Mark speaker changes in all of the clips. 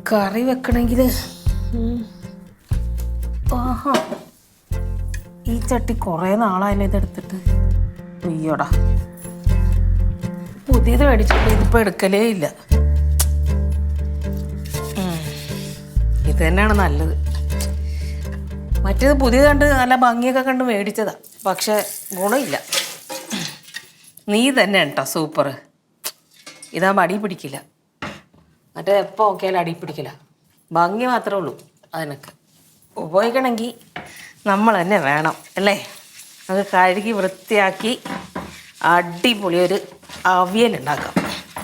Speaker 1: കറി വെക്കണമെങ്കിൽ ആഹാ ഈ ചട്ടി കുറേ നാളായല്ലോ ഇതെടുത്തിട്ട്. അയ്യോടാ, പുതിയത് മേടിച്ചിട്ട് ഇതിപ്പോൾ എടുക്കലേ ഇല്ല. ഇത് തന്നെയാണ് നല്ലത്. മറ്റേത് പുതിയത് കണ്ട് നല്ല ഭംഗിയൊക്കെ കണ്ട് മേടിച്ചതാ, പക്ഷെ ഗുണമില്ല. നീ തന്നെ കേട്ടോ സൂപ്പർ. ഇതാകുമ്പോൾ അടി പിടിക്കില്ല. മറ്റേ എപ്പോൾ നോക്കിയാലും അടി പിടിക്കില്ല. ഭംഗി മാത്രമേ ഉള്ളൂ അതിനൊക്കെ. ഉപയോഗിക്കണമെങ്കിൽ നമ്മൾ തന്നെ വേണം അല്ലേ? അത് കഴുകി വൃത്തിയാക്കി അടിപൊളി ഒരു അവിയലുണ്ടാക്കാം.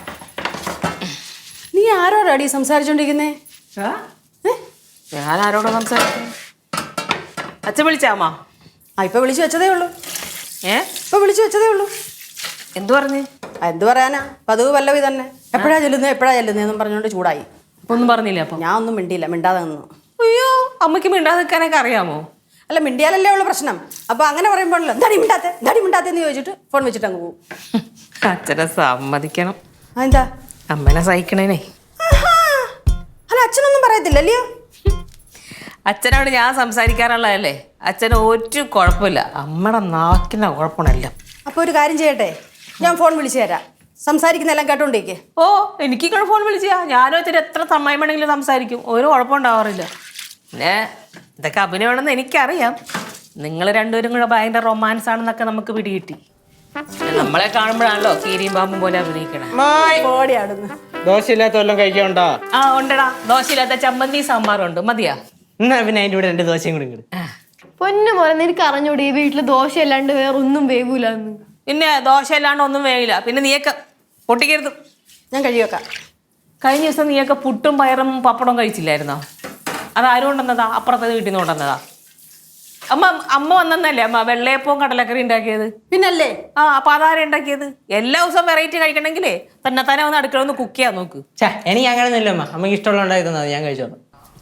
Speaker 2: നീ ആരോടാടി സംസാരിച്ചോണ്ടിരിക്കുന്നേ?
Speaker 1: ഞാൻ ആരോടോ സംസാരിക്കുന്നു? അച്ഛൻ വിളിച്ചാമാ?
Speaker 2: ഇപ്പൊ വിളിച്ചു വെച്ചതേ ഉള്ളൂ. ഇപ്പൊ വിളിച്ചു വെച്ചതേ ഉള്ളൂ.
Speaker 1: എന്തു പറഞ്ഞ്?
Speaker 2: എന്ത് പറയാനാ, പതിവ് പല്ലവി തന്നെ. എപ്പോഴാ ചെല്ലുന്നതെന്നും പറഞ്ഞോണ്ട് ചൂടായി.
Speaker 1: അപ്പൊ ഒന്നും പറഞ്ഞില്ല? അപ്പൊ
Speaker 2: ഞാൻ ഒന്നും മിണ്ടിയില്ല, മിണ്ടാതെ നിന്നു.
Speaker 1: അയ്യോ, അമ്മയ്ക്ക് മിണ്ടാതെ നിൽക്കാനൊക്കെ അറിയാമോ?
Speaker 2: അല്ല, മിണ്ടിയാലല്ലേ ഉള്ള പ്രശ്നം. അപ്പൊ അങ്ങനെ പറയുമ്പോഴല്ലോ എന്താടി മിണ്ടാത്തേന്ന് ചോദിച്ചിട്ട് ഫോൺ വെച്ചിട്ട് അങ്ങ് പോകും.
Speaker 1: അച്ഛനെ സമ്മതിക്കണം.
Speaker 2: എന്താ
Speaker 1: അമ്മനെ സഹിക്കണേനെ.
Speaker 2: അല്ല, അച്ഛനൊന്നും പറയത്തില്ലല്ലയോ?
Speaker 1: അച്ഛനോട് ഞാൻ സംസാരിക്കാറുള്ളതല്ലേ. അച്ഛന് ഒരു കുഴപ്പമില്ല. അമ്മയുടെ നാക്കിന കുഴപ്പമില്ല.
Speaker 2: അപ്പൊ ഒരു കാര്യം ചെയ്യട്ടെ, ഞാൻ ഫോൺ വിളിച്ചു തരാം. സംസാരിക്കുന്നെല്ലാം കേട്ടോണ്ടേക്ക്.
Speaker 1: ഓ, എനിക്ക് ഫോൺ വിളിച്ചാ ഞാനും അച്ഛൻ എത്ര സമയം വേണമെങ്കിലും സംസാരിക്കും. ഒരു കുഴപ്പമുണ്ടാവാറില്ല. പിന്നെ ഇതൊക്കെ അഭിനയമാണെന്ന് എനിക്കറിയാം. നിങ്ങൾ രണ്ടുപേരും കൂടെ ഭയങ്കര റൊമാൻസ് ആണെന്നൊക്കെ നമുക്ക് പിടികിട്ടി. നമ്മളെ കാണുമ്പോഴാണല്ലോ കീരിയും പാമ്പും പോലെ അഭിനയിക്കണേ.
Speaker 3: ദോശയില്ലാത്ത വല്ലതും കഴിക്കണ്ടാ?
Speaker 1: ആ ഉണ്ടടാ, ദോശയില്ലാത്ത ചമ്മന്തി സാമ്പാറുണ്ട്. മതിയാ?
Speaker 3: എന്നാ പിന്നെ അതിന്റെ കൂടെ 2 ദോശയും കൂടി ഇങ്ങട്.
Speaker 4: പൊന്നു പോലെ നിനക്ക് അറിഞ്ഞൂടെ ഈ വീട്ടില് ദോശ അല്ലാണ്ട് വേറെ ഒന്നും വേവൂലെന്ന്?
Speaker 1: പിന്നെ ദോശ അല്ലാണ്ട് ഒന്നും വേവില്ല. പിന്നെ നീയൊക്കെ പൊട്ടിക്കരുത്.
Speaker 2: ഞാൻ കഴിവെക്കാം.
Speaker 1: കഴിഞ്ഞ ദിവസം നീയൊക്കെ പുട്ടും പയറും പപ്പടവും കഴിച്ചില്ലായിരുന്നോ? അതാരും കൊണ്ടുവന്നതാ? അപ്പുറത്തെ വീട്ടിൽ നിന്ന് കൊണ്ടുവന്നതാ. അമ്മ വന്നല്ലേ അമ്മ വെള്ളയപ്പവും കടലക്കറി ഉണ്ടാക്കിയത്?
Speaker 2: പിന്നല്ലേ.
Speaker 1: അപ്പൊ അതാരും ഉണ്ടാക്കിയത്? എല്ലാ ദിവസവും വെറൈറ്റി കഴിക്കണമെങ്കിലേ തന്നെ വന്ന് അടുക്കള ഒന്ന് കുക്ക് ചെയ്യാൻ നോക്ക്.
Speaker 3: എനിക്ക് അങ്ങനെയൊന്നുമില്ല അമ്മ. അമ്മക്ക് ഇഷ്ടമുള്ള ഉണ്ടാക്കി തന്നത് ഞാൻ കഴിച്ചോളാം.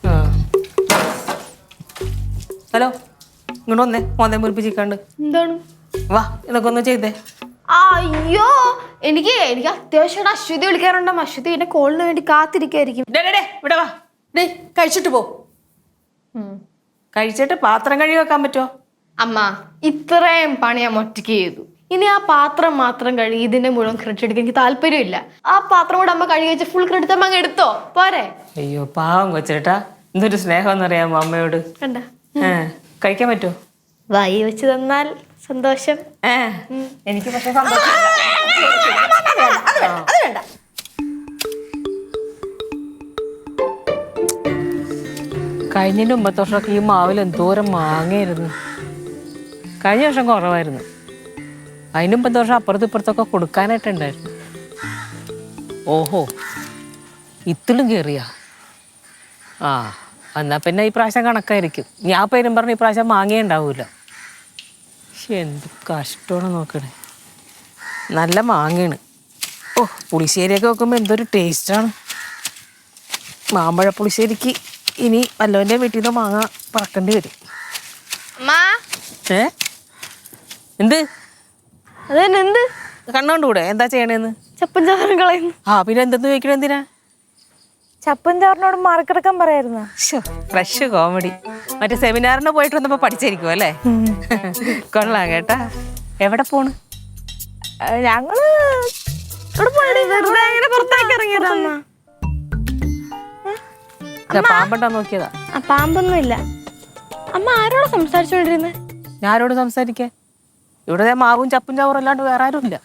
Speaker 1: ഹലോ, ഇങ്ങോട്ട് വന്നേ. മോനെ മുറിപ്പിച്ചിക്കാണ്ട്
Speaker 4: എന്താണ്?
Speaker 1: വാ, ഇതൊക്കെ ഒന്ന് ചെയ്തേ.
Speaker 4: അയ്യോ, എനിക്ക് അത്യാവശ്യമായിട്ട് അശ്വതി വിളിക്കാറുണ്ടാവും. അശ്വതി എന്റെ കോളിന് വേണ്ടി കാത്തിരിക്കായിരിക്കും.
Speaker 1: ഇവിടെ വാ.
Speaker 2: കഴിച്ചിട്ട് പോ.
Speaker 1: കഴിച്ചിട്ട് പാത്രം കഴുകി വെക്കാൻ പറ്റുമോ?
Speaker 4: അമ്മ, ഇത്രയും പണി ഞാൻ ഒറ്റയ്ക്ക് ചെയ്തു. ഇനി ആ പാത്രം മാത്രം കഴുകി ഇതിന്റെ മുഴുവൻ ക്രെഡിറ്റ് എടുക്കാൻ എനിക്ക് താല്പര്യമില്ല. ആ പാത്രം കൂടെ അമ്മ കഴുകി വെച്ച് ഫുൾ ക്രെഡിറ്റ് അമ്മ അങ്ങ് എടുത്തോ പോരെ?
Speaker 1: അയ്യോ പാവം കൊച്ചേട്ടാ, എന്തൊരു സ്നേഹം എന്നറിയാമോ അമ്മയോട്.
Speaker 4: കണ്ട
Speaker 1: കഴിക്കാൻ പറ്റുമോ?
Speaker 4: വായി വെച്ച് തന്നാൽ സന്തോഷം.
Speaker 1: എനിക്ക് പക്ഷെ സന്തോഷം. കഴിഞ്ഞതിൻ്റെ 9 വർഷമൊക്കെ ഈ മാവിൽ എന്തോരം മാങ്ങയായിരുന്നു. കഴിഞ്ഞ വർഷം കുറവായിരുന്നു. അതിന് 9 വർഷം അപ്പുറത്തൊക്കെ കൊടുക്കാനായിട്ടുണ്ടായിരുന്നു. ഓഹോ, ഇത്തിലും കയറിയാ? എന്നാൽ പിന്നെ ഈ പ്രാവശ്യം കണക്കായിരിക്കും. ഞാൻ പേരും പറഞ്ഞ് ഈ പ്രാവശ്യം മാങ്ങയേ ഉണ്ടാവില്ല. പക്ഷെ എന്ത് കഷ്ടമാണ് നോക്കണേ. നല്ല മാങ്ങയാണ്. ഓ, പുളിശ്ശേരിയൊക്കെ വെക്കുമ്പോൾ എന്തൊരു ടേസ്റ്റാണ്. മാമ്പഴ പുളിശ്ശേരിക്ക് ഇനി വല്ലവൻ്റെ വീട്ടിൽ നിന്ന് മാങ്ങ പറക്കേണ്ടി വരും. എന്ത്
Speaker 4: എന്ത്
Speaker 1: കണ്ണോണ്ടൂടെ എന്താ ചെയ്യണേന്ന്?
Speaker 4: ചപ്പൻ ചവറും കളയുന്നു.
Speaker 1: പിന്നെ എന്തെന്ന് ചോദിക്കണ എന്തിനാ?
Speaker 4: ചപ്പൻ ചവറിനോട് മാർക്കെടുക്കാൻ പറയായിരുന്നു.
Speaker 1: Fresh comedy. മറ്റേ സെമിനാറിന് പോയിട്ട് വന്നപ്പോ പഠിച്ചായിരിക്കും അല്ലേ? കൊള്ളാം കേട്ടാ. എവിടെ പോണ്?
Speaker 4: ഞങ്ങള് പുറത്തേക്ക് ഇറങ്ങിയതാ.
Speaker 1: പാമ്പണ്ടാ നോക്കിയതാ?
Speaker 4: പാമ്പൊന്നും ഇല്ല. അമ്മ ആരോട് സംസാരിച്ചോണ്ടിരുന്നേ?
Speaker 1: ഞാൻ ആരോട് സംസാരിക്കാൻ? ഇവിടെ മാവും ചപ്പും ചവറും അല്ലാണ്ട് വേറെ ആരും ഇല്ല.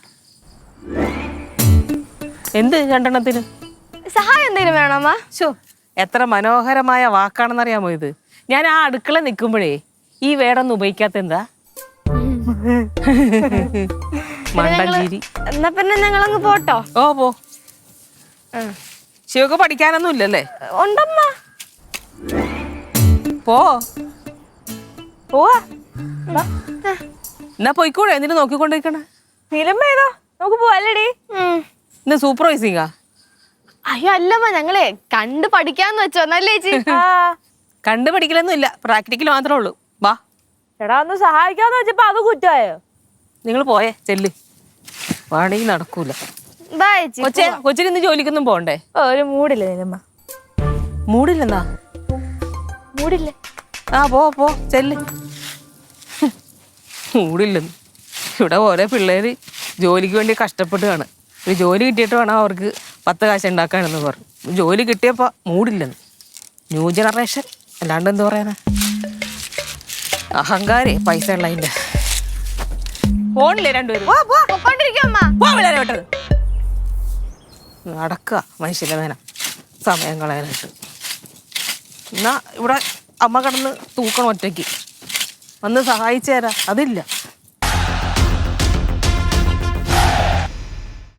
Speaker 1: എന്ത് രണ്ടെണ്ണത്തിന്
Speaker 4: സഹായം എന്തെങ്കിലും വേണോ അമ്മ?
Speaker 1: എത്ര മനോഹരമായ വാക്കാണെന്നറിയാമോ ഇത്? ഞാൻ ആ അടുക്കള നിൽക്കുമ്പോഴേ ഈ വേടൊന്നും ഉപയോഗിക്കാത്ത എന്താ? മണ്ടഞ്ചേരി.
Speaker 4: എന്നാ പിന്നെ ഞങ്ങളങ്ങ് പോട്ടോ?
Speaker 1: ഓ പോ. ശിവക്ക് പഠിക്കാനൊന്നും ഇല്ലല്ലേ?
Speaker 4: ഉണ്ടമ്മ.
Speaker 1: പോവാ. എന്നാ പോയിക്കൂടെ? എന്നിട്ട് നോക്കിക്കൊണ്ടിരിക്കണ
Speaker 4: ഫിലിം ഏതോ നമുക്ക് പോവല്ലേടി?
Speaker 1: ഇന്ന് സൂപ്പർവൈസിംഗാ?
Speaker 4: അയ്യോ അല്ലമ്മ, ഞങ്ങളെ കണ്ടു പഠിക്കാന്ന് വെച്ചോ. നല്ലേ ചേച്ചി?
Speaker 1: കണ്ടു പഠിക്കലൊന്നും ഇല്ല, പ്രാക്ടിക്കൽ മാത്രമേ ഉള്ളൂ. വാ.
Speaker 4: എടാ ഒന്ന് സഹായിക്കാന്ന് വെച്ചപ്പോ അത് കുറ്റായോ?
Speaker 1: നിങ്ങൾ പോയേ ചെല്ല്. വാടകയും നടക്കൂല.
Speaker 4: ബൈ
Speaker 1: കൊച്ചിന് ഇന്ന് ജോലിക്കൊന്നും പോണ്ടേ?
Speaker 4: ഒരു മൂടില്ല നിലമ്മ.
Speaker 1: മൂടില്ലെന്നാ?
Speaker 4: മൂടില്ലേ?
Speaker 1: ആ പോ ചെല്ല്. മൂടില്ലെന്ന്. ഇവിടെ ഓരോ പിള്ളേർ ജോലിക്ക് വേണ്ടി കഷ്ടപ്പെട്ടുകയാണ്. ഒരു ജോലി കിട്ടിയിട്ട് വേണം അവർക്ക് 10 കാശ് ഉണ്ടാക്കാനെന്ന് പറഞ്ഞു. ജോലി കിട്ടിയപ്പോൾ മൂടില്ലെന്ന്. ന്യൂ ജനറേഷൻ അല്ലാണ്ട് എന്ത് പറയാനാ? അഹങ്കാരേ പൈസ ഉള്ളതിൻ്റെ. ഫോണില്ലേ രണ്ടുപേരും?
Speaker 4: പൊക്കോണ്ടിരിക്കും അമ്മ.
Speaker 1: നടക്കുക മനുഷ്യൻ്റെ നേരം സമയം കളയാനായിട്ട്. എന്നാ ഇവിടെ അമ്മ കിടന്ന് തൂക്കണം ഒറ്റയ്ക്ക്. വന്ന് സഹായിച്ചു തരാം, അതില്ല.